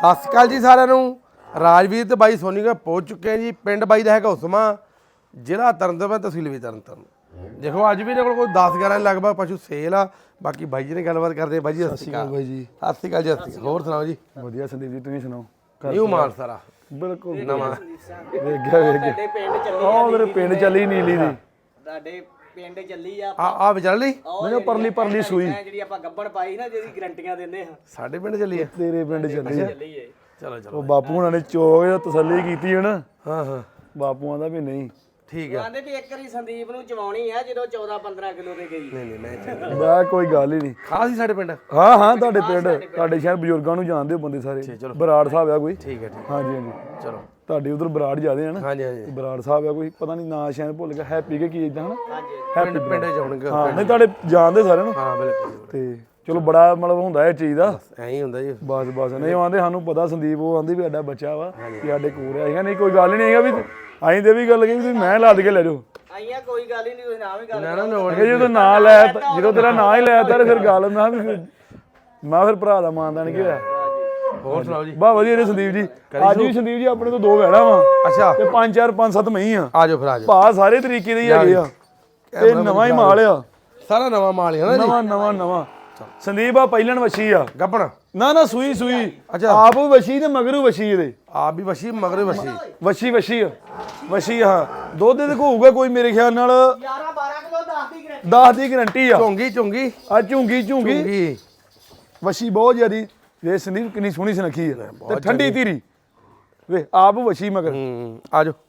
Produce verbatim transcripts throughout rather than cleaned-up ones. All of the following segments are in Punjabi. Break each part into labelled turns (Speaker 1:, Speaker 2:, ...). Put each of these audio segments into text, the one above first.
Speaker 1: ਸਤਿ ਸ਼੍ਰੀ ਅਕਾਲ ਜੀ ਸਾਰਿਆਂ ਨੂੰ। ਰਾਜਵੀਰ ਤੇ ਬਾਈ ਸੋਨੀ ਕੋਲ ਪਹੁੰਚ ਚੁੱਕੇ ਆ ਜੀ। ਪਿੰਡ ਬਾਈ ਦਾ ਹੈਗਾ ਉਸਮਾ, ਜ਼ਿਲ੍ਹਾ ਤਰਨਤਾਰਨ, ਤਹਿਸੀਲ ਵੀ ਤਰਨਤਾਰਨ। ਦੇਖੋ ਅੱਜ ਵੀ ਇਹਨਾਂ ਕੋਲ ਕੋਈ ਦਸ ਗਿਆਰਾਂ ਲਗਭਗ ਪਸ਼ੂ ਸੇਲ ਆ। ਬਾਕੀ ਬਾਈ ਜੀ ਨੇ ਗੱਲਬਾਤ ਕਰਦੇ। ਬਾਈ ਜੀ ਸਤਿ ਸ਼੍ਰੀ ਅਕਾਲ।
Speaker 2: ਬਾਈ ਜੀ
Speaker 1: ਸਤਿ ਸ਼੍ਰੀ ਅਕਾਲ ਜੀ। ਸਤਿ ਸ਼੍ਰੀ ਅਕਾਲ। ਹੋਰ ਸੁਣਾਓ ਜੀ?
Speaker 2: ਵਧੀਆ ਸੰਦੀਪ ਜੀ, ਤੁਸੀਂ ਸੁਣਾਓ?
Speaker 1: ਨਿਊ ਮਾਲ ਸਾਰਾ
Speaker 2: ਬਿਲਕੁਲ
Speaker 1: ਨਵਾਂ
Speaker 2: ਵੇਖ ਗਿਆ ਵੇਖ ਗਿਆ।
Speaker 3: ਤੁਹਾਡੇ ਪਿੰਡ ਚੱਲੀ
Speaker 2: ਆਹ ਮੇਰੇ ਪਿੰਡ ਚੱਲੀ ਨੀਲੀ ਦੀ।
Speaker 3: ਤੁਹਾਡੇ ਪਿੰਡ ਚੱਲੀ ਆ
Speaker 1: ਆ ਆ ਵਿਚਾਰ ਲਈ
Speaker 2: ਮੈਨੂੰ ਪਰਲੀ ਪਰਲੀ ਸੂਈ
Speaker 3: ਜਿਹੜੀ ਆਪਾਂ ਗੱਬਣ ਪਾਈ ਨਾ, ਜਿਹਦੀ ਗਰੰਟੀਆਂ ਦਿੰਦੇ ਹਾਂ।
Speaker 1: ਸਾਡੇ ਪਿੰਡ ਚੱਲੀ ਆ।
Speaker 2: ਤੇਰੇ ਪਿੰਡ ਚੱਲੀ ਆ।
Speaker 3: ਚੱਲੀ ਏ
Speaker 1: ਚਲੋ ਚਲੋ।
Speaker 2: ਉਹ ਬਾਪੂ ਹੁਣਾਂ ਨੇ ਚੋਗ ਦਾ ਤਸੱਲੀ ਕੀਤੀ ਹੈ ਨਾ।
Speaker 1: ਹਾਂ ਹਾਂ
Speaker 2: ਬਾਪੂ ਆਂਦਾ ਵੀ ਨਹੀਂ,
Speaker 1: ਠੀਕ ਆ।
Speaker 3: ਕਹਿੰਦੇ ਵੀ ਇੱਕ ਵਾਰੀ ਸੰਦੀਪ ਨੂੰ ਚਵਾਉਣੀ ਆ ਜਦੋਂ ਚੌਦਾਂ ਪੰਦਰਾਂ ਕਿਲੋ ਤੇ ਗਈ।
Speaker 1: ਨਹੀਂ ਨਹੀਂ ਮੈਂ ਚੱਲ
Speaker 2: ਮੈਂ ਕੋਈ ਗੱਲ ਹੀ ਨਹੀਂ।
Speaker 1: ਖਾਸ ਹੀ ਸਾਡੇ ਪਿੰਡ।
Speaker 2: ਹਾਂ ਹਾਂ ਤੁਹਾਡੇ ਪਿੰਡ, ਤੁਹਾਡੇ ਸ਼ਹਿਰ ਬਜ਼ੁਰਗਾਂ ਨੂੰ ਜਾਣਦੇ ਹੋ ਬੰਦੇ ਸਾਰੇ।
Speaker 1: ਚਲੋ।
Speaker 2: ਬਰਾੜ ਸਾਹਿਬ ਆ ਕੋਈ?
Speaker 1: ਠੀਕ ਹੈ ਠੀਕ
Speaker 2: ਹਾਂਜੀ ਹਾਂਜੀ।
Speaker 1: ਚਲੋ।
Speaker 2: ਤੁਹਾਡੇ ਉਧਰ ਬਰਾੜ ਜ਼ਿਆਦੇ ਹਨ।
Speaker 1: ਹਾਂਜੀ ਹਾਂਜੀ
Speaker 2: ਬਰਾੜ ਸਾਹਿਬ ਆ ਕੋਈ, ਪਤਾ ਨਹੀਂ ਨਾਂ ਸ਼ਾਇਦ ਭੁੱਲ ਗਿਆ। ਹੈਪੀ ਕੇ ਕੀ ਇਦਾਂ ਹਨਾ?
Speaker 3: ਹਾਂਜੀ
Speaker 1: ਪਿੰਡ ਪਿੰਡ ਚ ਆਉਣਗੇ।
Speaker 2: ਹਾਂ ਨਹੀਂ ਤੁਹਾਡੇ ਜਾਣਦੇ ਸਾਰਿਆਂ ਨੂੰ।
Speaker 1: ਹਾਂ ਬਿਲਕੁਲ
Speaker 2: ਤੇ ਚਲੋ ਬੜਾ ਮਤਲਬ ਹੁੰਦਾ ਇਹ ਚੀਜ਼ ਦਾ।
Speaker 1: ਐਂ ਹੀ ਹੁੰਦਾ ਜੀ।
Speaker 2: ਬਸ ਬਸ ਨਹੀਂ ਆਂਦੇ ਸਾਨੂੰ ਪਤਾ ਸੰਦੀਪ ਉਹ ਆਂਦੀ ਵੀ ਸਾਡਾ ਬੱਚਾ ਵਾ ਕਿ ਸਾਡੇ ਕੋਲ ਆ। ਹੈਗਾ ਨਹੀਂ ਕੋਈ ਗੱਲ ਨਹੀਂ ਹੈਗਾ ਵੀ ਅਸੀਂ ਤੇ ਵੀ ਗੱਲ ਕਹੀ ਵੀ ਮੈਂ ਲੱਦ ਕੇ ਲੈ ਜਾਓ।
Speaker 3: ਆਈਆਂ ਕੋਈ ਗੱਲ ਹੀ ਨਹੀਂ, ਤੁਸੀਂ ਨਾ ਵੀ ਗੱਲ
Speaker 1: ਨਾ ਨਾ ਲੋੜ
Speaker 2: ਇਹ ਜਦੋਂ ਨਾਂ ਲੈ ਤਾ- ਜਦੋਂ ਤੇਰਾ ਨਾਂ ਹੀ ਲੈ ਤਾ ਫਿਰ ਗੱਲ ਮੈਂ ਵੀ ਫਿਰ- ਮੈਂ ਫਿਰ ਭਰਾ ਦਾ ਮਾਨਦਾਨ ਕੀ ਹੋਇਆ।
Speaker 1: ਹੋਰ ਸੁਣਾਓ ਜੀ?
Speaker 2: ਬਾ ਵਧੀਆ ਨੇ ਸੰਦੀਪ ਜੀ। ਅੱਜ ਵੀ ਸੰਦੀਪ ਜੀ ਆਪਣੇ ਤੋਂ ਦੋ ਵੈੜਾ ਵਾ
Speaker 1: ਅੱਛਾ
Speaker 2: ਤੇ ਪੰਜ ਚਾਰ ਪੰਜ ਸੱਤ ਮਹੀਂ ਆ।
Speaker 1: ਆ ਜਾਓ ਫਿਰ ਆ ਜਾਓ।
Speaker 2: ਭਾ ਸਾਰੇ ਤਰੀਕੇ ਦੇ ਹੀ ਹੈਗੇ ਆ ਤੇ ਨਵਾਂ ਹੀ ਮਾਲ ਆ।
Speaker 1: ਸਾਰਾ ਨਵਾਂ ਮਾਲ ਹੈ ਨਾ ਜੀ।
Speaker 2: ਨਵਾਂ ਨਵਾਂ ਨਵਾਂ ਸੰਦੀਪ ਆ ਪਹਿਲਣ ਵਛੀ ਆ।
Speaker 1: ਗੱਪਣ
Speaker 2: ਨਾ ਨਾ ਸੂਈ ਸੂਈ।
Speaker 1: ਅੱਛਾ।
Speaker 2: ਆਪ ਵੀ ਵਛੀ ਤੇ ਮਗਰੂ ਵਛੀ ਇਹਦੇ।
Speaker 1: ਆਪ ਵੀ ਵਸ਼ੀ ਮਗਰ ਵਸ਼ੀ।
Speaker 2: ਵਛੀ ਵਛੀ ਆ ਵਛੀ ਆ। ਦੁੱਧ ਦੇ ਹੋਊਗਾ ਕੋਈ ਮੇਰੇ ਖਿਆਲ ਨਾਲ
Speaker 3: ਗਿਆਰਾਂ ਬਾਰਾਂ ਕਿਲੋ ਦਸ ਦੀ ਗਰੰਟੀ।
Speaker 2: ਦਸ ਦੀ ਗਰੰਟੀ ਆ।
Speaker 1: ਝੋਂਗੀ ਝੋਂਗੀ
Speaker 2: ਆ ਝੁੰਗੀ ਝੁੰਗੀ
Speaker 1: ਝੋਂਗੀ
Speaker 2: ਵਛੀ ਬਹੁਤ ਜ਼ਿਆਦੀ। ਵੇ ਸੰਦੀਪ ਕਿੰਨੀ ਸੋਹਣੀ ਸੁਨੱਖੀ ਆ ਤੇ ਠੰਡੀ ਧੀਰੀ। ਵੇ ਆਪ ਵਛੀ ਮਗਰ।
Speaker 1: ਹੂੰ ਆ ਜਾਓ।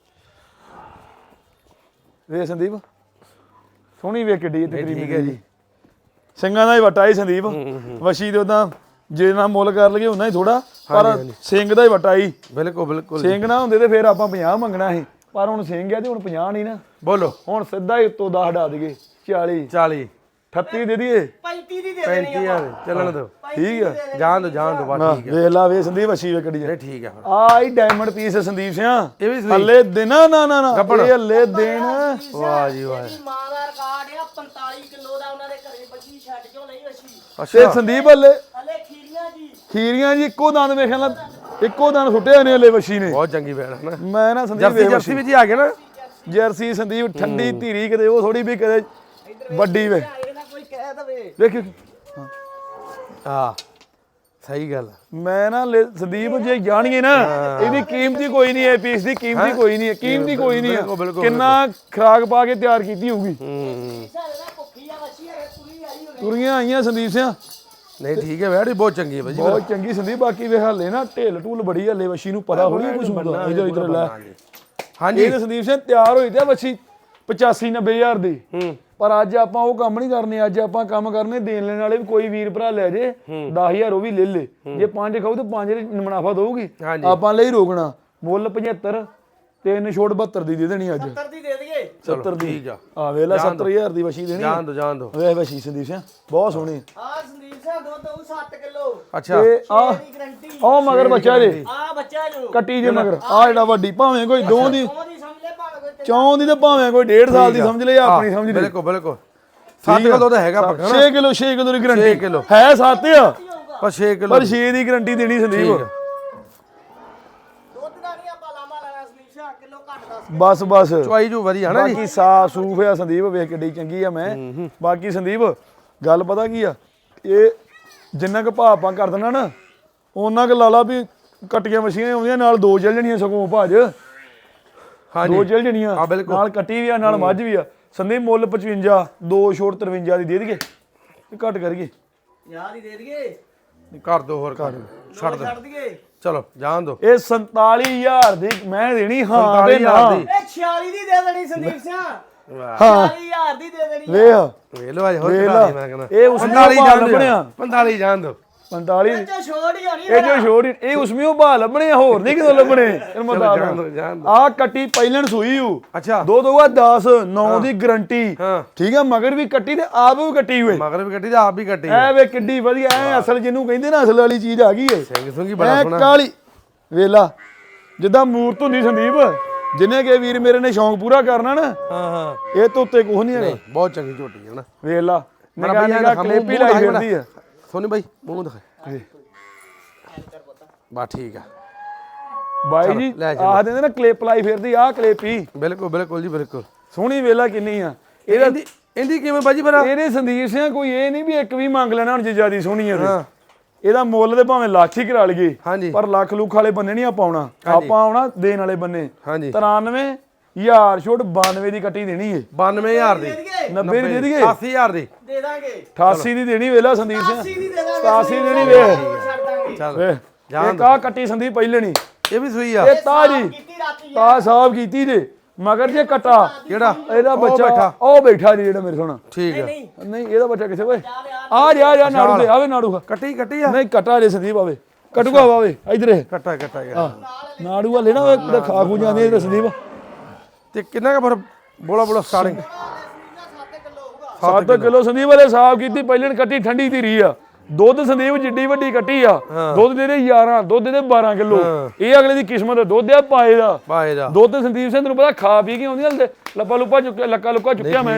Speaker 2: ਵੇ ਸੰਦੀਪ ਸੋਹਣੀ ਵੇ ਕਿੱਡੀ ਤਕਰੀਬਨ।
Speaker 1: ਠੀਕ ਹੈ ਜੀ।
Speaker 2: ਸਿੰਘਾਂ ਦਾ ਹੀ ਵਟਾ ਹੀ ਸੰਦੀਪ। ਵਛੀ ਦੇ ਉਦਾਂ ਜੇ ਨਾ ਮੁੱਲ ਕਰ ਲਈਏ ਉਹਨਾਂ ਹੀ ਥੋੜਾ, ਪਰ ਸਿੰਘ ਦਾ ਹੀ ਵਟਾ ਹੀ।
Speaker 1: ਬਿਲਕੁਲ ਬਿਲਕੁਲ।
Speaker 2: ਸਿੰਘ ਨਾ ਹੁੰਦੇ ਤੇ ਫਿਰ ਆਪਾਂ ਪੰਜਾਹ ਮੰਗਣਾ ਸੀ, ਪਰ ਹੁਣ ਸਿੰਘ ਆ ਤੇ ਹੁਣ ਪੰਜਾਹ ਨਹੀਂ ਨਾ।
Speaker 1: ਬੋਲੋ।
Speaker 2: ਹੁਣ ਸਿੱਧਾ ਹੀ ਉੱਤੋਂ ਦਸ ਹਟਾ ਦਈਏ। ਚਾਲੀ
Speaker 1: ਚਾਲੀ
Speaker 2: ਅਠੱਤੀ ਦੇ ਦਈਏ।
Speaker 3: ਪੈਂਤੀ ਦੀ ਦੇ ਦੇਣੀ
Speaker 1: ਪੈਂਤੀ ਹਜ਼ਾਰ ਚੱਲਣ ਦਿਓ।
Speaker 2: ਠੀਕ ਆ
Speaker 1: ਜਾਣ ਦੋ ਜਾਣ ਦੋ ਬਸ ਠੀਕ ਹੈ।
Speaker 2: ਵੇਖ ਲਾ ਵੇ ਸੰਦੀਪ ਵਛੀ ਵੇ ਕੱਢੀ
Speaker 1: ਨਹੀਂ ਠੀਕ ਹੈ ਫਿਰ।
Speaker 2: ਆ ਹੀ ਡਾਇਮੰਡ ਪੀਸ ਸੰਦੀਪ ਸਿਆ।
Speaker 1: ਇਹ ਵੀ ਸਹੀ।
Speaker 2: ਹੱਲੇ ਦਿਨ ਨਾ ਨਾ ਨਾ ਇਹ ਹੱਲੇ ਦਿਨ।
Speaker 1: ਵਾਹ ਜੀ ਵਾਹ।
Speaker 3: ਇਹਦੀ ਮਾਂ ਦਾ ਰਿਕਾਰਡ ਆ ਪੰਤਾਲੀ ਕਿਲੋ ਦਾ। ਉਹਨਾਂ ਦੇ ਘਰੇ ਬੱਚੀ ਛੱਡ ਕਿਉਂ ਲਈ ਵਛੀ?
Speaker 2: ਤੇ
Speaker 1: ਅੱਛਾ
Speaker 2: ਸੰਦੀਪ ਹੱਲੇ
Speaker 3: ਹਲੇ ਖੀਰੀਆਂ ਜੀ।
Speaker 2: ਖੀਰੀਆਂ ਜੀ ਇੱਕੋ ਦੰਦ ਵੇਖਣ ਲਾ, ਇੱਕੋ ਦੰਦ ਸੁੱਟੇ ਨੇ ਹੱਲੇ ਵਛੀ ਨੇ।
Speaker 1: ਬਹੁਤ ਚੰਗੀ ਬੈਣ ਹੈ ਨਾ।
Speaker 2: ਮੈਂ ਨਾ ਸੰਦੀਪ
Speaker 1: ਜਰਸੀ
Speaker 2: ਵੇਖ
Speaker 1: ਜਰਸੀ ਵੀ ਜੀ ਆ ਗਏ ਨਾ।
Speaker 2: ਜਰਸੀ ਸੰਦੀਪ ਠੰਡੀ ਧੀਰੀ ਕਿਤੇ ਉਹ ਥੋੜੀ ਵੀ ਕਦੇ ਵੱਡੀ ਵੇ।
Speaker 3: ਇਹ ਨਾ ਕੋਈ ਕਹਿ ਦਵੇ।
Speaker 2: ਵੇਖ
Speaker 1: ਹਾਂ ਸਹੀ ਗੱਲ।
Speaker 2: ਮੈਂ ਨਾ ਲੈ- ਸੰਦੀਪ ਜੇ ਜਾਣੀਏ ਨਾ ਇਹਦੀ ਕੀਮਤ ਹੀ ਕੋਈ ਨਹੀਂ ਹੈ। ਪੀਸ ਦੀ ਕੀਮਤ ਹੀ ਕੋਈ ਨਹੀਂ ਹੈ। ਕੀਮਤ ਹੀ ਕੋਈ ਨਹੀਂ
Speaker 1: ਬਿਲਕੁਲ,
Speaker 2: ਹੈ।
Speaker 1: ਬਿਲਕੁਲ,
Speaker 2: ਕਿੰਨਾ ਖਰਾਕ ਪਾ ਕੇ ਤਿਆਰ ਕੀਤੀ ਹੋਊਗੀ।
Speaker 1: ਹੂੰ
Speaker 3: ਭੁੱਖੀ ਆ ਵਛੀ ਹੈ ਪੂਰੀ ਆਈ ਹੋਣੀ।
Speaker 2: ਤੁਰੀਆਂ ਆਈਆਂ ਸੰਦੀਪ ਸਿਆ
Speaker 1: ਨਹੀਂ ਠੀਕ ਹੈ ਬੈੜ ਬਹੁਤ ਚੰਗੀ ਹੈ ਭਾਜੀ।
Speaker 2: ਬਹੁਤ ਚੰਗੀ ਸੰਦੀਪ। ਬਾਕੀ ਵੇ ਹਾਲੇ ਨਾ ਢਿੱਲ ਢੂਲ ਬੜੀ ਹੱਲੇ ਵਛੀ ਨੂੰ ਪਤਾ ਹੋਣੀ ਕੁਝ ਹੁੰਦਾ। ਇਧਰ ਇਧਰ ਲੈ
Speaker 1: ਹਾਂਜੀ
Speaker 2: ਇਹ ਤਾਂ ਸੰਦੀਪ ਸਿੰਘ ਤਿਆਰ ਹੋਈ ਤੇ ਵਛੀ ਪਚਾਸੀ ਨੱਬੇ ਹਜ਼ਾਰ ਦੀ।
Speaker 1: ਹੂੰ
Speaker 2: ਪਰ ਅੱਜ ਆਪਾਂ ਉਹ ਕੰਮ ਨਹੀਂ ਕਰਨੇ। ਅੱਜ ਆਪਾਂ ਕੰਮ ਕਰਨੇ ਦੇਣ ਲੈਣ ਵਾਲੇ ਵੀ। ਕੋਈ ਵੀਰ ਭਰਾ ਲੈ ਜੇ ਦਸ ਹਜ਼ਾਰ ਉਹ ਵੀ ਲੈ ਲੇ। ਜੇ ਪੰਜ ਖਾਊ ਤੇ ਪੰਜ ਮੁਨਾਫਾ ਦਊਗੀ।
Speaker 1: ਹਾਂਜੀ।
Speaker 2: ਆਪਾਂ ਲਈ ਰੋਕਣਾ। ਮੁੱਲ ਪਝੱਤਰ ਤਿੰਨ ਛੋਟ ਬਹੱਤਰ ਦੀ ਦੇ ਦੇਣੀ ਅੱਜ।
Speaker 3: ਸੱਤਰ ਦੀ ਦੇ ਦਈਏ।
Speaker 2: ਸੱਤਰ ਦੀ
Speaker 1: ਠੀਕ ਆ।
Speaker 2: ਆ ਵੇਲਾ ਸੱਤਰ ਹਜ਼ਾਰ ਦੀ ਵਛੀ ਦੇਣੀ।
Speaker 1: ਜਾਣ ਦੋ ਜਾਣ ਦੋ।
Speaker 2: ਵੇ ਵਛੀ ਸੰਦੀਪ ਸਿੰਘ ਬਹੁਤ ਸੋਹਣੀ।
Speaker 3: ਆ ਸੰਦੀਪ ਸਿੰਘ ਦੁੱਧ ਉਹ ਸੱਤ ਕਿਲੋ
Speaker 1: ਅੱਛਾ
Speaker 2: ਤੇ ਆ
Speaker 3: ਦੀ ਗਰੰਟੀ।
Speaker 2: ਉਹ ਮਗਰ ਬੱਚਾ ਜੇ
Speaker 3: ਆ ਬੱਚਾ ਜੋ
Speaker 2: ਕੱਟੀ ਜੇ ਮਗਰ ਆ ਜਿਹੜਾ ਵੱਡੀ ਭਾਵੇਂ ਕੋਈ ਦੋ ਦੀ
Speaker 3: ਉਹਦੀ ਸਮਝ ਲੈ ਭਾਵੇਂ ਕੋਈ
Speaker 2: ਚੌਂ ਦੀ ਤੇ ਭਾਵੇਂ ਕੋਈ ਡੇਢ ਸਾਲ ਦੀ ਸਮਝ ਲੈ ਜਾਂ ਆਪਣੀ ਸਮਝ ਲੈ।
Speaker 1: ਬਿਲਕੁਲ ਬਿਲਕੁਲ। ਸੱਤ ਕਿਲੋ ਤਾਂ ਹੈਗਾ ਪੱਕਾ ਨਾ।
Speaker 2: ਛੇ ਕਿਲੋ ਛੇ ਕਿਲੋ ਦੀ
Speaker 1: ਛੇ
Speaker 2: ਗਰੰਟੀ
Speaker 1: ਕਿਲੋ
Speaker 2: ਹੈ। ਸੱਤ ਆ
Speaker 1: ਪਰ ਛੇ ਕਿਲੋ
Speaker 2: ਪਰ ਛੇ ਦੀ ਗਰੰਟੀ ਦੇਣੀ ਸੰਦੀਪ।
Speaker 3: ਦੁੱਧ ਦਾ ਨਹੀਂ ਆਪਾਂ ਲਾਮਾ ਲੈਣਾ ਸੰਦੀਪ ਸਿੰਘ। ਕਿਲੋ ਘੱਟ ਦੱਸ।
Speaker 2: ਬਸ ਬਸ
Speaker 1: ਚੁਆਈ ਜੂ ਵਧੀਆ ਨਾ ਜੀ।
Speaker 2: ਬਾਕੀ ਸਾਫ ਸੂਫ ਆ ਸੰਦੀਪ। ਵੇਖ ਕਿੱਡੀ ਚੰਗੀ ਆ ਮੈਂ। ਬਾਕੀ ਸੰਦੀਪ ਗੱਲ ਪਤਾ ਕੀ ਆ, ਇਹ ਜਿੰਨਾ ਕੁ ਭਾਅ ਆਪਾਂ ਕਰ ਦੇਣਾ ਨਾ ਉਹਨਾਂ ਕੁ ਲਾ ਲਾ ਵੀ ਕੱਟੀਆਂ ਮਸ਼ੀਨਾਂ ਆਉਂਦੀਆਂ ਨਾਲ ਦੋ ਚੱਲ ਜਣੀਆਂ ਸਗੋਂ ਭਾਜ।
Speaker 1: ਹਾਂਜੀ
Speaker 2: ਦੋ ਚੱਲ ਜਣੀਆਂ
Speaker 1: ਹਾਂ, ਬਿਲਕੁਲ।
Speaker 2: ਨਾਲ ਕੱਟੀ ਵੀ ਆ ਨਾਲ ਮੱਝ ਵੀ ਆ। ਸੰਦੀਪ ਮੁੱਲ ਪਚਵੰਜਾ ਦੋ ਛੋਟ ਤਰਵੰਜਾ ਦੀ ਦੇ ਦਈਏ ਤੇ ਘੱਟ ਕਰੀਏ।
Speaker 3: ਯਾਰ ਹੀ ਦੇ ਦਈਏ।
Speaker 1: ਕਰ ਦੋ ਹੋਰ ਕਰ ਛੱਡ ਦੋ।
Speaker 3: ਛੱਡ ਦਈਏ।
Speaker 1: ਚਲੋ ਜਾਣ ਦੋ।
Speaker 2: ਇਹ ਸੰਤਾਲੀ ਹਜ਼ਾਰ ਦੀ ਮੈਂ ਦੇਣੀ ਹਾਂ ਦੇ ਨਾ।
Speaker 3: ਇਹ ਛਿਆਲੀ ਦੀ ਦੇ ਦੇਣੀ ਸੰਦੀਪ ਸਿੰਘ।
Speaker 1: ਵਾਹ
Speaker 3: ਛਿਆਲੀ ਹਜ਼ਾਰ ਦੀ ਦੇ ਦੇਣੀ।
Speaker 2: ਵੇਖ
Speaker 1: ਵੇਖ ਲੋ ਅੱਜ ਹੋਰ
Speaker 2: ਵੇਖ
Speaker 1: ਚੜਾ
Speaker 2: ਲਾ।
Speaker 1: ਦੀ ਮੈਂ ਕਹਿੰਦਾ।
Speaker 2: ਇਹ ਉਸਮੇ
Speaker 1: ਪੰਤਾਲੀ
Speaker 2: ਭਾਅ
Speaker 1: ਜਾਣ
Speaker 2: ਲੱਭਣੇ ਆ।
Speaker 1: ਦੋ। ਪੰਤਾਲੀ ਜਾਣ ਦੋ।
Speaker 2: ਪੰਤਾਲੀ
Speaker 3: ਇਹ ਚੋਂ ਛੋੜ ਹੀ ਹੋਣੀ।
Speaker 2: ਇਹ ਜੋ ਛੋੜ ਇਹ ਉਸਮੇ ਉਹ ਭਾਅ ਲੱਭਣੇ ਆ, ਹੋਰ ਨਹੀਂ ਕਿਦੋਂ ਲੱਭਣੇ। ਇਹਨੂੰ ਮੈਂ ਦੱਸ
Speaker 1: ਜਾਣ ਦੋ ਜਾਣ ਦੋ।
Speaker 2: ਆ ਕੱਟੀ ਪਹਿਲਣ ਸੂਈ ਹੂ।
Speaker 1: ਅੱਛਾ
Speaker 2: ਦੋ ਦੋਗਾ ਦਸ ਨੌ ਦੀ ਗਰੰਟੀ।
Speaker 1: ਹਾਂ
Speaker 2: ਠੀਕ ਆ ਮਗਰ ਵੀ ਕੱਟੀ ਤੇ ਆਪ ਵੀ ਕੱਟੀ ਹੋਏ।
Speaker 1: ਮਗਰ ਵੀ ਕੱਟੀ ਤੇ ਆਪ ਵੀ ਕੱਟੀ।
Speaker 2: ਐ ਵੇ ਕਿੱਡੀ ਵਧੀਆ ਐ ਅਸਲ ਜਿਹਨੂੰ ਕਹਿੰਦੇ ਨਾ ਅਸਲ ਵਾਲੀ ਚੀਜ਼ ਆ ਗਈ ਏ।
Speaker 1: ਸਿੰਘ ਸੁੰਗੀ ਬੜਾ
Speaker 2: ਐ
Speaker 1: ਸੋਹਣਾ।
Speaker 2: ਕਾਲੀ ਵੇਲਾ ਜਿੱਦਾਂ ਮੂਰਤ ਹੁੰਦੀ ਸੰਦੀਪ। ਜਿੰਨੇ ਕੇ ਵੀਰ ਮੇਰੇ ਨੇ ਸ਼ੌਂਕ ਪੂਰਾ ਕਰਨਾ ਨਾ
Speaker 1: ਹਾਂ ਹਾਂ
Speaker 2: ਇਹ ਤੋਂ ਉੱਤੇ ਕੁਝ ਨਹੀਂ ਹੈਗਾ।
Speaker 1: ਬਹੁਤ ਚੰਗੀ ਝੋਟੀ ਹੈ ਨਾ।
Speaker 2: ਵੇਲਾ
Speaker 1: ਮੇਰਾ
Speaker 2: ਨਿਕਾ
Speaker 1: ਬਈਆ
Speaker 2: ਨਿਕਾ
Speaker 1: ਦਿਖਾ,
Speaker 2: ਕਲਿੱਪ ਹੀ
Speaker 1: ਮੂੰਹ
Speaker 2: ਲਾਈ
Speaker 1: ਦਿਖਾਈ
Speaker 2: ਫਿਰਦੀ ਆ।
Speaker 1: ਸੋਨੀ ਬਾਈ ਮੂੰਹ ਦਿਖਾ। ਬਾ ਠੀਕ ਆ
Speaker 2: ਬਾਈ ਜੀ
Speaker 1: ਲੈ ਚੱਲੋ।
Speaker 2: ਆਹ ਦਿੰਦੇ ਨਾ ਕਲਿੱਪ ਲਾਈ ਫਿਰਦੀ ਆਹ ਕਲਿੱਪ ਹੀ
Speaker 1: ਬਿਲਕੁਲ ਬਿਲਕੁਲ ਜੀ ਬਿਲਕੁਲ
Speaker 2: ਸੋਹਣੀ ਵੇਲਾ ਕਿੰਨੀ ਆ
Speaker 1: ਇਹਦਾ ਇਹਦੀ ਇਹਦੀ ਕਿਵੇਂ ਬਾਜੀ ਫਿਰ
Speaker 2: ਇਹਦੇ ਸੰਦੀਪ ਸਿੰਘ ਕੋਈ ਇਹ ਨਹੀਂ ਵੀ ਇੱਕ ਵੀ ਮੰਗ ਲੈਣਾ ਹੁਣ ਜੇ ਜਿਆਦੀ ਸੋਹਣੀ ਆ
Speaker 1: ਹਾਂ
Speaker 2: ਤੇ ਇਹਦਾ ਮੁੱਲ ਤੇ ਭਾਵੇਂ ਲੱਖ ਹੀ ਕਰਾ ਲਈਏ
Speaker 1: ਹਾਂਜੀ
Speaker 2: ਪਰ ਲੱਖ ਲੁੱਖ ਵਾਲੇ ਬੰਨੇ ਨਹੀਂ ਆਪਾਂ ਆਉਣਾ ਆਪਾਂ ਆਉਣਾ ਦੇਣ ਵਾਲੇ ਬੰਨੇ
Speaker 1: ਹਾਂਜੀ
Speaker 2: ਤਰਾਨਵੇਂ ਹਜ਼ਾਰ ਛੋਟ ਬਾਨਵੇਂ ਦੀ ਕੱਟੀ ਦੇਣੀ ਏ
Speaker 1: ਬਾਨਵੇਂ ਹਜ਼ਾਰ ਦੀ
Speaker 2: ਨੱਬੇ ਦੀ ਦੇ ਦਈਏ
Speaker 1: ਅੱਸੀ ਹਜ਼ਾਰ ਦੀ
Speaker 3: ਦੇ ਦਾਂਗੇ
Speaker 2: ਅਠਾਸੀ ਦੀ ਦੇਣੀ ਵੇਲਾ ਸੰਦੀਪ ਸਿੰਘ
Speaker 3: ਅੱਸੀ ਦੀ ਦੇ ਦਾਂਗੇ
Speaker 2: ਸਤਾਸੀ ਦੀ ਦੇਣੀ ਵੇ
Speaker 3: ਛੱਡ ਦਾਂਗੇ
Speaker 1: ਚੱਲ
Speaker 2: ਵੇ ਇਹ ਕਾ ਕੱਟੀ ਸੰਦੀਪ ਪਹਿਲਣੀ
Speaker 1: ਇਹ ਵੀ ਸੂਈ ਆ
Speaker 2: ਇਹ ਤਾਜੀ
Speaker 3: ਕੀਤੀ ਰਾਤੀ
Speaker 2: ਤਾ ਸਾਹਿਬ ਕੀਤੀ ਜੇ ਮਗਰ ਜੇ ਕਟਾ
Speaker 1: ਕਿਹੜਾ
Speaker 2: ਇਹਦਾ
Speaker 1: ਉਹ
Speaker 2: ਬੱਚਾ
Speaker 1: ਬੈਠਾ।
Speaker 2: ਉਹ ਬੈਠਾ ਜੀ ਜਿਹੜਾ ਮੇਰੇ ਸੋਣਾ
Speaker 1: ਠੀਕ ਆ
Speaker 3: ਨਹੀਂ
Speaker 2: ਨਹੀਂ ਇਹਦਾ ਬੱਚਾ ਕਿੱਥੇ ਓਏ ਆ ਜਾ ਜਾ ਨਾੜੂ ਤੇ ਆਵੇ ਨਾੜੂ
Speaker 1: ਕੱਟੀ ਕੱਟੀ ਆ
Speaker 2: ਨਹੀਂ ਕਟਾ ਜੇ ਸੰਦੀਪ ਆਵੇ ਕਟੂਗਾ ਆਵੇ ਇਧਰ ਇਹ
Speaker 1: ਕੱਟਾ ਕੱਟਾ ਗਿਆ
Speaker 2: ਨਾੜੂ ਵਾਲੇ ਨਾ ਉਹ ਖਾ ਖੂ ਜਾਂਦੇ ਇਹ ਸੰਦੀਪ
Speaker 1: ਤੇ ਕਿੰਨਾ ਕੁ ਫਿਰ ਬੋਲਾ ਬੋਲਾ ਸਟਾਰਟਿੰਗ
Speaker 2: ਸੱਤ ਕਿਲੋ ਸੰਦੀਪ ਵਾਲੇ ਸਾਫ ਕੀਤੀ ਪਹਿਲਣ ਕੱਟੀ ਠੰਡੀ ਦੀ ਰੀ ਆ ਦੁੱਧ ਸੰਦੀਪ ਜਿੱਡੀ ਵੱਡੀ ਕੱਟੀ ਆ ਦੁੱਧ ਦੇ ਦੇ ਗਿਆਰਾਂ ਦੁੱਧ ਦੇ ਦੇ ਬਾਰਾਂ ਕਿਲੋ ਇਹ ਅਗਲੇ ਦੀ ਕਿਸਮਤ ਦਾ ਦੁੱਧ ਆ ਪਾਏ ਦਾ
Speaker 1: ਬਾਏ ਦਾ
Speaker 2: ਦੁੱਧ ਸੰਦੀਪ ਸਿੰਘ ਤੈਨੂੰ ਪਤਾ ਖਾ ਪੀ ਕੇ ਆਉਂਦੀਆਂ ਹਲਦੇ ਲੱਪਾ ਲੁੱਪਾ ਚੁੱਕਿਆ ਲੱਕਾ ਲੁੱਕਾ ਚੁੱਕਿਆ ਮੈਂ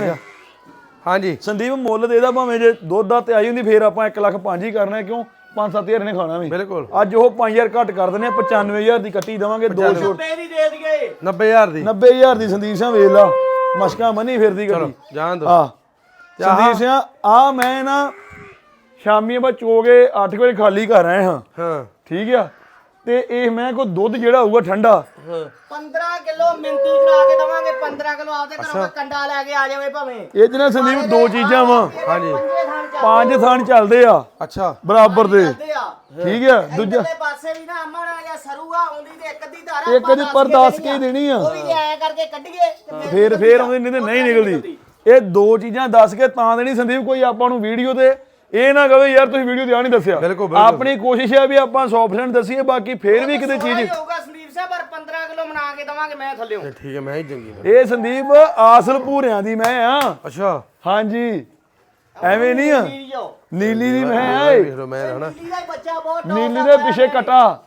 Speaker 1: ਹਾਂਜੀ
Speaker 2: ਸੰਦੀਪ ਮੁੱਲ ਦੇ ਦਾ ਭਾਵੇਂ ਜੇ ਦੁੱਧ ਦਾ ਤੇ ਆਈ ਹੁੰਦੀ ਫੇਰ ਆਪਾਂ ਇੱਕ ਲੱਖ ਪੰਜ ਹੀ ਕਰਨਾ ਕਿਉਂ ਪੰਜ ਸੱਤ ਹਜ਼ਾਰ ਨੇ ਖਾਣਾ ਵੀ
Speaker 1: ਬਿਲਕੁਲ
Speaker 2: ਅੱਜ ਉਹ ਪੰਜ ਹਜ਼ਾਰ ਘੱਟ ਕਰ ਦਿੰਦੇ ਆ ਪਚਾਨਵੇਂ ਹਜ਼ਾਰ ਦੀ ਕੱਟੀ ਦੇਵਾਂਗੇ ਦੋ ਛੋਟ
Speaker 3: ਨੱਬੇ ਦੀ ਦੇ ਦਈਏ
Speaker 1: ਨੱਬੇ ਹਜ਼ਾਰ ਦੀ
Speaker 2: ਨੱਬੇ ਹਜ਼ਾਰ ਦੀ ਸੰਦੀਪ ਸਿੰਘ ਵੇਖ ਲਾ ਮਸ਼ਕਾਂ ਮੰਨੀ ਫਿਰਦੀ ਗੱਡੀ
Speaker 1: ਜਾਣ ਦੋ
Speaker 2: ਆ ਸੰਦੀਪ ਸਿੰਘ ਆ ਮੈਂ ਨਾ ਸ਼ਾਮੀ ਆਪਾਂ ਚੋਗੇ ਅੱਠ ਵਜੇ ਖਾਲੀ ਕਰ ਆਏ ਹਾਂ
Speaker 1: ਹਾਂ
Speaker 2: ਠੀਕ ਆ ਤੇ ਇਹ ਮੈਂ ਕੋ ਦੁੱਧ ਜਿਹੜਾ ਹੋਊਗਾ ਠੰਡਾ
Speaker 3: ਪੰਦਰਾਂ ਕਿਲੋ ਮਿੰਤੀ ਕਰਾ ਕੇ ਦਵਾਂਗੇ ਪੰਦਰਾਂ ਕਿਲੋ ਆਪਦੇ ਘਰੋਂ ਕੰਡਾ ਲੈ ਕੇ ਆ ਜਾਵੇ ਭਾਵੇਂ
Speaker 2: ਇਹ ਚ ਨਾ ਸੰਦੀਪ ਦੋ ਚੀਜ਼ਾਂ ਵਾ
Speaker 1: ਹਾਂਜੀ
Speaker 3: ਪੰਜੇ ਥਾਂ ਚੱਲਦੇ
Speaker 2: ਪੰਜ ਥਾਨ ਚੱਲਦੇ ਆ
Speaker 1: ਅੱਛਾ
Speaker 2: ਬਰਾਬਰ ਦੇ
Speaker 3: ਆ
Speaker 2: ਠੀਕ ਆ ਦੂਜਾ
Speaker 3: ਦੂਜੇ ਪਾਸੇ ਵੀ ਨਾ ਅਮਨ ਆ ਜਾਂ ਸਰੂਗਾ ਆਉਂਦੀ ਤੇ ਇੱਕ ਅੱਧੀ ਧਾਰਾ
Speaker 2: ਇੱਕ ਦੀ ਪਰ ਦੱਸ ਕੇ ਹੀ ਦੇਣੀ ਆ
Speaker 3: ਉਹ ਵੀ ਐ ਕਰਕੇ ਕੱਢੀਏ ਤੇ
Speaker 2: ਫੇਰ ਫੇਰ ਆਉਂਦੀ ਨਹੀਂ ਤੇ ਨਹੀਂ ਨਿਕਲਦੀ ਇਹ ਦੋ ਚੀਜ਼ਾਂ ਦੱਸ ਕੇ ਤਾਂ ਦੇਣੀ ਸੰਦੀਪ ਕੋਈ ਆਪਾਂ ਨੂੰ ਵੀਡੀਓ ਤੇ ਇਹ ਨਾ ਕਹੇ ਯਾਰ ਤੁਸੀਂ ਵੀਡੀਓ ਤੇ ਆ ਨਹੀਂ ਦੱਸਿਆ
Speaker 1: ਬਿਲਕੁਲ, ਬਿਲਕੁਲ।
Speaker 2: ਆਪਣੀ ਕੋਸ਼ਿਸ਼ ਹੈ ਵੀ ਆਪਾਂ ਸੌ ਪਰਸੈਂਟ ਦੱਸੀਏ ਬਾਕੀ ਫੇਰ ਵੀ ਕਿਤੇ ਚੀਜ਼
Speaker 3: ਹੋਊਗਾ ਸੰਦੀਪ ਸਾਹਿਬ ਪਰ ਪੰਦਰਾਂ ਕਿਲੋ ਬਣਾ ਕੇ ਦਵਾਂਗੇ ਮੈਂ ਥੱਲਿਓ
Speaker 1: ਠੀਕ ਹੈ ਮੈਂ ਹੀ ਚੰਗੀ ਫਿਰ।
Speaker 2: ਇਹ ਸੰਦੀਪ ਆਸਲ ਭੂਰਿਆਂ ਦੀ ਮੈਂ ਆ
Speaker 1: ਅੱਛਾ
Speaker 2: ਹਾਂਜੀ ਐਵੇਂ ਨਹੀਂ ਆ
Speaker 3: ਨੀਲੀਓ
Speaker 2: ਨੀਲੀ ਦੀ ਮੈਂ ਆ
Speaker 1: ਵੇਖ ਲਓ ਮੈਂ ਹਨਾ
Speaker 3: ਨੀਲੀ ਦਾ ਹੀ ਬੱਚਾ ਬਹੁਤ top
Speaker 2: ਨੀਲੀ
Speaker 3: ਦਾ
Speaker 2: ਦੇ
Speaker 3: ਪਿਆ
Speaker 2: ਪਿੱਛੇ
Speaker 3: ਹੈ।
Speaker 2: ਕਟਾ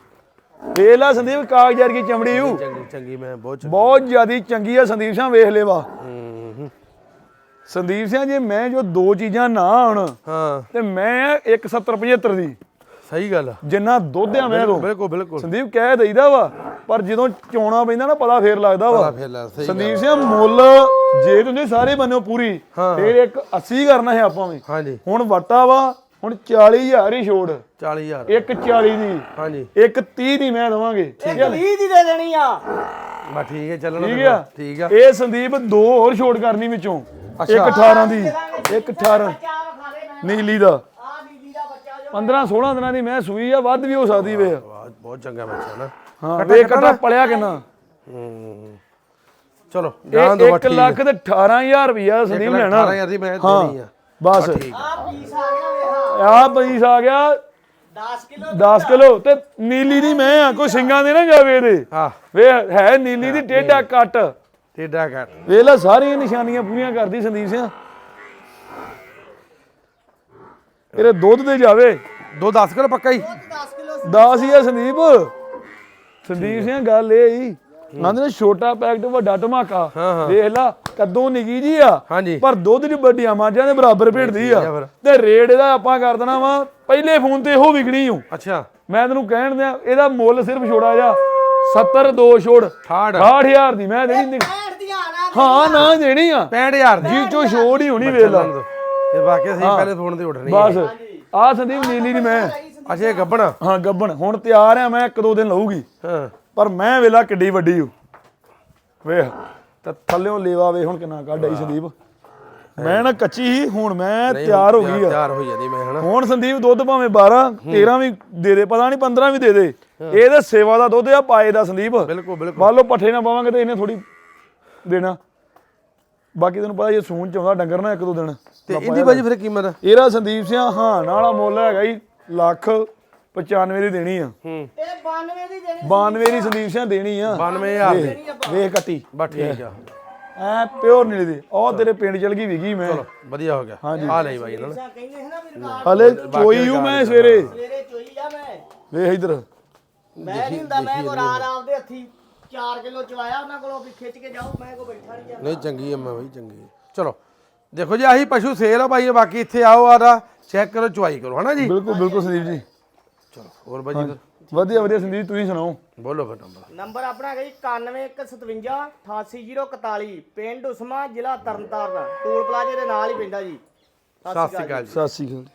Speaker 2: ਵੇਖ ਲਾ ਸੰਦੀਪ ਕਾਗਜ਼ਾਰ ਕੀ ਚਮੜੀ ਹੂ
Speaker 1: ਚੰਗੀ ਚੰਗੀ ਮੈਂ ਬਹੁਤ ਚੰਗੀ
Speaker 2: ਬਹੁਤ ਜ਼ਿਆਦੀ ਚੰਗੀ ਆ ਸੰਦੀਪ ਸਿੰਘ ਵੇਖ ਲੈਵਾ
Speaker 1: ਹੂੰ, ਹੂੰ।
Speaker 2: ਸੰਦੀਪ ਸਿੰਘ ਜੇ ਮੈਂ ਜੋ ਦੋ ਚੀਜ਼ਾਂ ਨਾ ਆਉਣ
Speaker 1: ਹਾਂ
Speaker 2: ਤੇ ਮੈਂ ਇੱਕ ਸੱਤਰ ਪਝੱਤਰ ਦੀ
Speaker 1: ਸਹੀ ਗੱਲ ਆ
Speaker 2: ਜਿੰਨਾ ਦੁੱਧ ਆ ਮੈਂ ਤੋਂ
Speaker 1: ਬਿਲਕੁਲ ਬਿਲਕੁਲ
Speaker 2: ਸੰਦੀਪ ਕਹਿ ਦਈਦਾ ਵਾ ਪਰ ਜਦੋਂ ਚੋਣਾ ਪੈਂਦਾ ਨਾ ਪਤਾ ਫੇਰ ਲੱਗਦਾ ਵਾ
Speaker 1: ਫਿਰ ਲੈ ਸਹੀ
Speaker 2: ਸੰਦੀਪ ਸਿੰਘ ਮੁੱਲ ਜੇ ਤੁਸੀਂ ਸਾਰੇ ਬੰਨੋ ਪੂਰੀ
Speaker 1: ਹਾਂ।
Speaker 2: ਫੇਰ ਇੱਕ ਅੱਸੀ ਕਰਨਾ ਹੈ ਆਪਾਂ ਵੀ
Speaker 1: ਹਾਂਜੀ
Speaker 2: ਹੁਣ ਵਟਾ ਵਾ ਹੁਣ ਚਾਲੀ ਹਜ਼ਾਰ ਹੀ ਛੋੜ
Speaker 1: ਚਾਲੀ ਹਜ਼ਾਰ
Speaker 2: ਇੱਕ ਚਾਲੀ ਦੀ
Speaker 1: ਹਾਂਜੀ
Speaker 2: ਇੱਕ ਤੀਹ ਦੀ ਮੈਂ ਦਵਾਂਗੇ
Speaker 3: ਇੱਕ ਵੀਹ ਦੀ ਦੇ ਦੇਣੀ ਆ
Speaker 1: ਬਾ ਠੀਕ ਹੈ ਚੱਲਣਾ
Speaker 2: ਠੀਕ
Speaker 1: ਫਿਰ।
Speaker 2: ਆ
Speaker 1: ਠੀਕ ਆ
Speaker 2: ਇਹ ਸੰਦੀਪ ਦੋ ਹੋਰ ਛੋੜ ਕਰਨੀ ਵਿੱਚੋਂ
Speaker 1: ਅੱਛਾ।
Speaker 2: ਇੱਕ ਅਠਾਰਾਂ ਦੀ ਇੱਕ ਅਠਾਰਾਂ
Speaker 3: ਬੱਚਾ ਵਿਖਾ ਦੇ ਮੈਂ
Speaker 2: ਨੀਲੀ ਦਾ
Speaker 3: ਆ ਨੀਲੀ ਦਾ ਬੱਚਾ ਜੋ
Speaker 2: ਪੰਦਰਾਂ ਸੋਲਾਂ ਦਿਨਾਂ ਦੀ ਮੈਂ ਸੂਈ ਆ ਵੱਧ ਵੀ ਹੋ ਸਕਦੀ ਵੇ
Speaker 1: ਵਾਹ, ਬਹੁਤ ਚੰਗਾ ਬੱਚਾ ਨਾ
Speaker 2: ਹਾਂ ਵੇ ਕਟਾ ਪਲਿਆ ਕਿੰਨਾ
Speaker 1: ਹੂੰ ਚਲੋ ਜਾਣ ਦੋ
Speaker 2: ਇਹ ਇੱਕ ਲੱਖ ਤੇ ਅਠਾਰਾਂ ਹਜ਼ਾਰ ਰੁਪਇਆ ਸੰਦੀਪ ਲੈਣਾ
Speaker 1: ਅਠਾਰਾਂ ਹਜ਼ਾਰ ਦੀ ਮੈਂ ਦੇਣੀ ਆ
Speaker 2: ਬਸ
Speaker 1: ਠੀਕ
Speaker 3: ਆ ਪੀਸ ਆ ਗਿਆ ਵੇਖਾ
Speaker 2: ਆ ਪੀਸ ਆ ਗਿਆ
Speaker 3: ਦਸ ਕਿਲੋ
Speaker 2: ਦਸ ਕਿਲੋ ਤੇ ਨੀਲੀ ਦੀ ਮੈਂ ਆ ਕੋਈ ਸਿੰਘਾਂ ਦੇ ਨਾ ਜਾਵੇ ਇਹਦੇ
Speaker 1: ਹਾਂ
Speaker 2: ਵੇ ਹੈ ਨੀਲੀ ਦੀ ਟੇਢਾ ਕੱਟ
Speaker 1: ਟੇਡਾ ਘਟ
Speaker 2: ਵੇਖ ਲੈ ਸਾਰੀਆਂ ਨਿਸ਼ਾਨੀਆਂ ਪੂਰੀਆਂ ਕਰਦੀ ਸੰਦੀਪ ਸਿੰਘ ਇਹਦੇ ਦੁੱਧ ਦੇ ਜਾਵੇ
Speaker 1: ਦੋ ਦਸ ਕਿਲੋ ਪੱਕਾ ਹੀ
Speaker 3: ਦਸ ਕਿਲੋ
Speaker 2: ਦਸ ਹੀ ਆ ਸੰਦੀਪ ਸੰਦੀਪ ਸਿੰਘ ਗੱਲ ਇਹ ਹੀ ਨੰਦ ਨੇ ਛੋਟਾ ਪੈਕਟ ਵੱਡਾ ਧਮਾਕਾ
Speaker 1: ਹਾਂ, ਹਾਂ।
Speaker 2: ਵੇਖ ਲਾ ਕਦੋਂ ਨਿੱਕੀ ਜੀ ਆ
Speaker 1: ਹਾਂਜੀ
Speaker 2: ਪਰ ਦੁੱਧ ਦੀ ਵੱਡੀਆਂ ਮਾਂਜਾਂ ਦੇ ਬਰਾਬਰ ਭੇੜਦੀ ਆ
Speaker 1: ਆ ਫਿਰ।
Speaker 2: ਤੇ ਰੇਟ ਇਹਦਾ ਆਪਾਂ ਕਰ ਦੇਣਾ ਵਾ ਪਹਿਲੇ ਫੋਨ ਤੇ ਇਹੋ ਵਿਕਣੀ ਹੂੰ
Speaker 1: ਅੱਛਾ
Speaker 2: ਮੈਂ ਤੈਨੂੰ ਕਹਿਣ ਦਿਆਂ ਇਹਦਾ ਮੁੱਲ ਸਿਰਫ ਛੋੜਾ ਜਾ ਸੱਤਰ ਦੋ ਛੋੜ
Speaker 1: ਅਠਾਹਠ
Speaker 2: ਅਠਾਹਠ ਹਜ਼ਾਰ ਦੀ ਮੈਂ ਦੇਣੀ
Speaker 3: ਪੈਂਹਠ ਦੀਆਂ ਨਾ
Speaker 2: ਹਾਂ ਨਾ ਦੇਣੀ ਆ
Speaker 1: ਪੈਂਹਠ ਹਜ਼ਾਰ ਦੀ
Speaker 2: ਜੀ ਚੋ ਛੋੜ ਹੀ ਹੋਣੀ ਵੇਖ ਲਾ
Speaker 1: ਇਹ ਵਾਕਿਆ ਸਹੀ ਪਹਿਲੇ ਫੋਨ ਤੇ ਉੱਠਣੀ
Speaker 2: ਬਸ ਆ ਸੰਦੀਪ ਨੀਲੀ ਦੀ ਮੈਂ
Speaker 1: ਅੱਛਾ ਇਹ ਗੱਬਣਾ
Speaker 2: ਹਾਂ ਗੱਬਣ ਹੁਣ ਤਿਆਰ ਆ ਮੈਂ ਇੱਕ ਦੋ ਦਿਨ ਲਊਗੀ
Speaker 1: ਹਾਂ
Speaker 2: ਪਰ ਮੈਂ ਵੇਲਾ ਕਿੱਡੀ ਵੱਡੀ ਹੂੰ ਵੇਖ ਤੇ ਥੱਲਿਓਂ ਲੇਵਾ ਵੇ ਹੁਣ ਕਿੰਨਾ ਕੱਢ ਆਈ ਸੰਦੀਪ ਮੈਂ ਨਾ ਕੱਚੀ ਹੀ ਹੁਣ ਮੈਂ ਤਿਆਰ ਹੋ ਗਈ ਆ
Speaker 1: ਤਿਆਰ ਹੋਈ ਜਾਂਦੀ ਮੈਂ ਹਨਾ
Speaker 2: ਹੁਣ ਸੰਦੀਪ ਦੁੱਧ ਭਾਵੇਂ ਬਾਰਾਂ ਤੇਰਾਂ ਵੀ ਦੇ ਦੇ ਪਤਾ ਨਹੀਂ ਪੰਦਰਾਂ ਵੀ ਦੇ ਦੇ ਇਹ ਤਾਂ ਸੇਵਾ ਦਾ ਦੁੱਧ ਆ ਪਾਏ ਦਾ ਸੰਦੀਪ
Speaker 1: ਬਿਲਕੁਲ ਬਿਲਕੁਲ
Speaker 2: ਮੰਨ ਲਓ ਪੱਠੇ ਨਾ ਪਾਵਾਂਗੇ ਤੇ ਇਹਨੇ ਥੋੜੀ ਦੇਣਾ ਬਾਕੀ ਤੈਨੂੰ ਪਤਾ ਜੇ ਸੂਣ ਚ ਆਉਂਦਾ ਡੰਗਰ ਨਾ ਇੱਕ ਦੋ ਦਿਨ
Speaker 1: ਤੇ ਇਹਦੀ ਬਾਜੀ ਫਿਰ ਕੀਮਤ
Speaker 2: ਇਹਦਾ ਸੰਦੀਪ ਸਿੰਘ ਹਾਂ ਨਾਲਾ ਮੁੱਲ ਹੈਗਾ ਹੀ ਲੱਖ ਪਚਾਨਵੇਂ ਦੀ ਦੇਣੀ ਆ
Speaker 1: ਹੂੰ
Speaker 3: ਇਹ ਬਾਨਵੇਂ ਦੀ ਦੇਣੀ
Speaker 2: ਬਾਨਵੇਂ ਦੀ ਸੰਦੀਪ ਸਿੰਘ ਦੇਣੀ ਆ
Speaker 1: ਬਾਨਵੇਂ ਹਜ਼ਾਰ ਦੀ
Speaker 2: ਵੇਖ- ਵੇਖ ਕੱਟੀ
Speaker 1: ਬਸ ਠੀਕ ਆ
Speaker 2: ਐ ਪਿਓਰ ਨੀਲੀ ਦੀ ਉਹ ਤੇਰੇ ਪਿੰਡ ਚਲ ਗਈ ਵਿਗੀ ਮੈਂ
Speaker 1: ਚਲੋ ਵਧੀਆ ਹੋ ਗਿਆ ਆ ਲਈ ਬਾਈ ਇਹਨਾਂ ਨੇ
Speaker 3: ਜਾਂ ਕਹਿੰਦੇ ਹੈ ਨਾ ਵੀ ਰਿਕਾਰਡ
Speaker 2: ਹਲੇ ਚੋਈ ਹੂੰ ਮੈਂ ਸਵੇਰੇ
Speaker 3: ਸਵੇਰੇ ਚੋਈ ਆ ਮੈਂ
Speaker 2: ਵੇਖ ਇਧਰ
Speaker 3: ਮੈਂ ਨਹੀਂ ਹੁੰਦਾ ਮੈਂ ਕੋ ਰਾਤ ਆਪਦੇ ਹੱਥੀ ਚਾਰ ਕਿਲੋ ਚਵਾਇਆ ਉਹਨਾਂ ਕੋਲੋਂ ਵੀ ਖਿੱਚ ਕੇ ਜਾਓ ਮੈਂ ਕੋ ਬੈਠਾ ਨਹੀਂ ਜਾਂਦਾ
Speaker 1: ਨਹੀਂ ਚੰਗੀ ਆ ਮੈਂ ਬਾਈ ਚੰਗੀ ਆ। ਚਲੋ ਦੇਖੋ ਜੀ ਆਹੀ ਪਸ਼ੂ ਸੇਲ ਆ ਬਾਈ ਬਾਕੀ ਇੱਥੇ ਆਓ ਆਦਾ ਚੈੱਕ ਕਰੋ ਚੁਆਈ ਕਰੋ ਹਨਾ ਜੀ
Speaker 2: ਬਿਲਕੁਲ ਬਿਲਕੁਲ ਸੰਦੀਪ ਜੀ
Speaker 1: ਚਲੋ ਹੋਰ ਬਾਜੀ
Speaker 2: ਵਧੀਆ ਵਧੀਆ ਸੰਦੀਪ ਤੁਸੀਂ ਸੁਣਾਓ।
Speaker 1: ਬੋਲੋ ਫਿਰ ਨੰਬਰ।
Speaker 3: ਨੰਬਰ ਆਪਣਾ ਹੈਗਾ ਜੀ ਇਕਾਨਵੇਂ ਇੱਕ ਸਤਵੰਜਾ ਅਠਾਸੀ ਜ਼ੀਰੋ ਇਕਤਾਲੀ, ਪਿੰਡ ਉਸਮਾ, ਜ਼ਿਲ੍ਹਾ ਤਰਨਤਾਰਨ, ਟੂਲ ਪਲਾਜ਼ੇ ਦੇ ਨਾਲ ਹੀ ਪੈਂਦਾ ਜੀ।
Speaker 1: ਸਤਿ ਸ਼੍ਰੀ ਅਕਾਲ ਜੀ।
Speaker 2: ਸਤਿ ਸ਼੍ਰੀ ਅਕਾਲ।